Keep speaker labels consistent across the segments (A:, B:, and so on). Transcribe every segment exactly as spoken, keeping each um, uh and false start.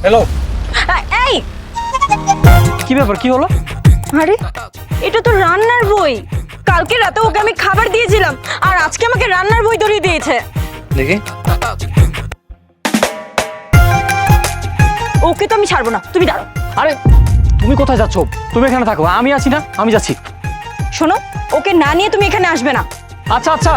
A: Hello,
B: এই
A: কি ব্যাপার, কি হলো?
B: আরে এটা তো রান্নার বই। কালকে রাতে ওকে আমি খাবার দিয়েছিলাম আর আজকে আমাকে রান্নার বই ধরিয়ে দিয়েছে।
A: দেখি।
B: ওকে তো আমি ছাড়বো না, তুমি দাঁড়াও।
A: আরে তুমি কোথায় যাচ্ছ? তুমি এখানে থাকো, আমি আছি না, আমি যাচ্ছি।
B: শোনো, ওকে না নিয়ে তুমি এখানে আসবে না।
A: আচ্ছা আচ্ছা।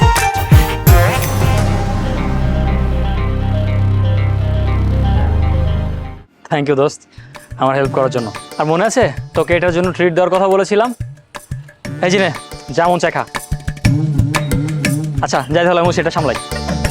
A: থ্যাংক ইউ দোস্ত, আমার হেল্প করার জন্য। আর মনে আছে তোকে এটার জন্য ট্রিট দেওয়ার কথা বলেছিলাম? এই জিনে যেমন চাখা। আচ্ছা যাই তাহলে আমি সেটা সামলাই।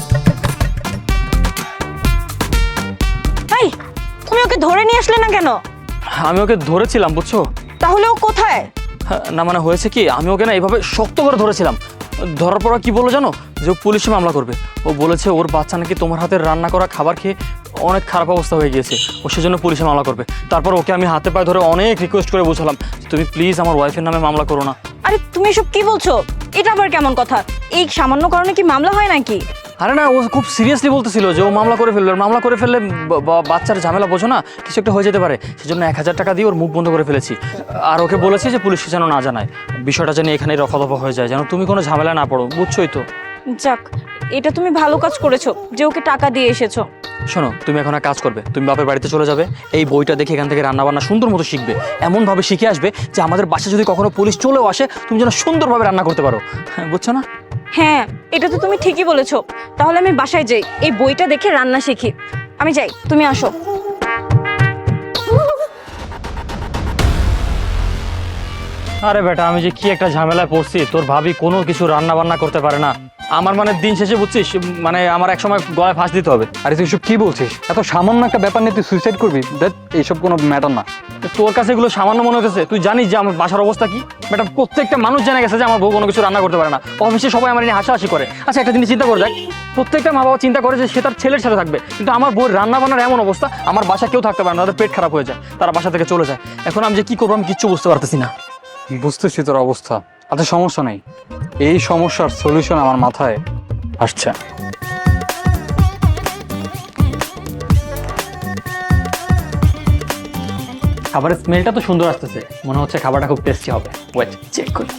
B: এই তুমি ওকে ধরে নিয়ে আসলে না কেন?
A: আমি ওকে ধরেছিলাম বুঝছো।
B: তাহলে ও কোথায়?
A: না মানে হয়েছে কি, আমি ওকে না এইভাবে শক্ত করে ধরেছিলাম। ধরার পর কি বললো জানো, যে ও পুলিশে মামলা করবে। ও বলেছে ওর বাচ্চা নাকি তোমার হাতের রান্না করা খাবার খেয়ে অনেক খারাপ অবস্থা হয়ে গিয়েছে, ও সেজন্য পুলিশে মামলা করবে। তারপর ওকে আমি হাতে পায়ে ধরে অনেক রিকোয়েস্ট করে বুঝলাম, তুমি প্লিজ আমার ওয়াইফের নামে মামলা করো না।
B: আরে তুমি এসব কি বলছো? এটা আবার কেমন কথা? এই সামান্য কারণে কি মামলা হয় নাকি?
A: আরে না, ও খুব সিরিয়াসলি বলতেছিল যে ও মামলা করে ফেলবে, মামলা করে ফেললে বাচ্চার ঝামেলা বোঝো না, কিছু একটা হয়ে যেতে পারে। সেজন্য এক হাজার টাকা দিয়ে ওর মুখ বন্ধ করে ফেলেছি। আর ওকে বলেছি যে পুলিশকে যেন না জানায়, বিষয়টা যেন এখানেই রফাদফা হয়ে যায়, যেন তুমি কোনো ঝামেলা না পড়ো, বুঝছোই তো।
B: যাক, এটা তুমি ভালো কাজ করেছো যে ওকে টাকা দিয়ে এসেছো।
A: শোনো, তুমি এখন এক কাজ করবে, তুমি বাপের বাড়িতে চলে যাবে, এই বইটা দেখে এখান থেকে রান্নাবান্না সুন্দর মতো শিখবে, এমনভাবে শিখে আসবে যে আমাদের বাসায় যদি কখনো পুলিশ চলেও আসে তুমি যেন সুন্দরভাবে রান্না করতে পারো, বুঝছো না?
B: হ্যাঁ, এটা তো তুমি ঠিকই বলেছো। তাহলে আমি বাসায় যাই, এই বইটা দেখে রান্না শিখি। আমি যাই, তুমি আসো।
A: আরে বেটা, আমি যে কি একটা ঝামেলায় পড়ছি, তোর ভাবি কোনো কিছু রান্না বান্না করতে পারে না। আমার মানে দিন শেষে বুঝছিস, মানে আমার এক সময় গলায় ফাঁস দিতে হবে।
C: আরে তুই এসব কি বলছিস? এত সামান্য একটা ব্যাপার নিয়ে তুই সুইসাইড করবি? দেখ, এইসব কোনো ম্যাটার না।
A: তোর কাছে এগুলো সামান্য মনে হতেছে? তুই জানিস যে আমার বাসার অবস্থা কি? বেটা, প্রত্যেকটা মানুষ জেনে গেছে যে আমার বউ কোনো কিছু রান্না করতে পারে না। অফিসে সবাই আমার নিয়ে হাসাহাসি করে। আচ্ছা একটা জিনিস চিন্তা করে দেখ, প্রত্যেকটা মা বাবা চিন্তা করে যে সে তার ছেলের সাথে থাকবে, কিন্তু আমার বউয়ের রান্না বান্নার এমন অবস্থা, আমার বাসা কেউ থাকতে পারে না, তাদের পেট খারাপ হয়ে যায়, তারা বাসা থেকে চলে যায়। এখন আমি যে কি করবো আমি কিচ্ছু বুঝতে পারতেছি না।
C: বুঝতেছি তোর অবস্থা। আচ্ছা সমস্যা নেই, এই সমস্যার সলিউশন আমার মাথায় আসছে।
A: খাবারের স্মেলটা তো সুন্দর আসতেছে, মনে হচ্ছে খাবারটা খুব টেস্টি হবে। ওয়েট চেক করি।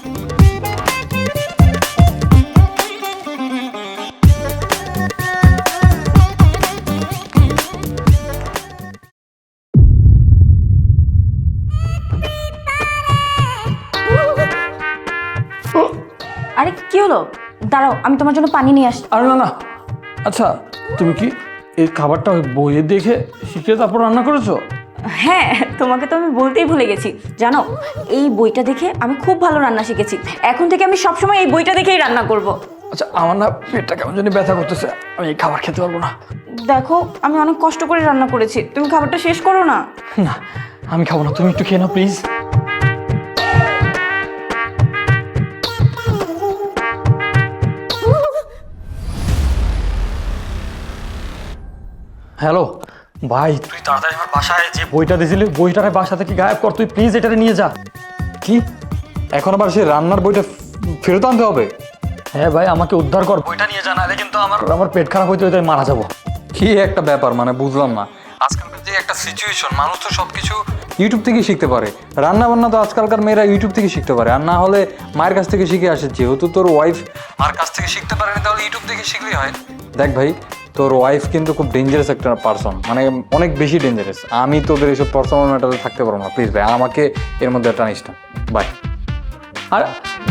B: আরে কি হলো? দাঁড়াও, আমি তোমার জন্য পানি নিয়ে আসছি।
A: আরে না না, আচ্ছা তুমি কি এই খাবারটা ওই বইয়ে দেখে শিখে তারপর রান্না করেছো?
B: হ্যাঁ, তোমাকে তো আমি বলতেই ভুলে গেছি। জানো, এই বইটা দেখে আমি খুব ভালো রান্না শিখেছি। এখন থেকে আমি সবসময় এই বইটা দেখেই রান্না করব।
A: আচ্ছা আমার না পেটটা কেমন জানি ব্যথা করতেছে, আমি এই খাবার খেতে পারবো না।
B: দেখো, আমি অনেক কষ্ট করে রান্না করেছি, তুমি খাবারটা শেষ করো না।
A: না আমি খাবো না, তুমি একটু খেয়ে নাও প্লিজ। হ্যালো ভাই, তুই তাড়াতাড়ি আমার বাসায় যে বইটা দিয়েছিলি, বইটারে বাসা থেকে গায়েব কর তুই প্লিজ, এটারে নিয়ে যা।
C: কি এখন আবার সেই রান্নার বইটা ফেরত আনতে হবে?
A: হ্যাঁ ভাই, আমাকে উদ্ধার কর, বইটা নিয়ে যা, নাহলে কিন্তু আমার আমার পেট খারাপ হইতে হইতে আমি মারা যাবো।
C: কি একটা ব্যাপার, মানে বুঝলাম না। আজকালকার যে একটা সিচুয়েশন, মানুষ তো সবকিছু ইউটিউব থেকে শিখতে পারে। রান্না বান্না তো আজকালকার মেয়েরা ইউটিউব থেকে শিখতে পারে, আর না হলে মায়ের কাছ থেকে শিখে আসে। যেহেতু তোর ওয়াইফ মার কাছ থেকে শিখতে পারেনি, তাহলে ইউটিউব থেকে শিখলেই হয়। দেখ ভাই, তোর ওয়াইফ কিন্তু খুব ডেঞ্জারাস একটা পারসন, মানে অনেক বেশি ডেঞ্জারাস। আমি তোদের এইসব পার্সোনাল ম্যাটারে থাকতে পারবো না, প্লিজ ভাই, আমাকে এর মধ্যে টানিস না। বাই।
A: আর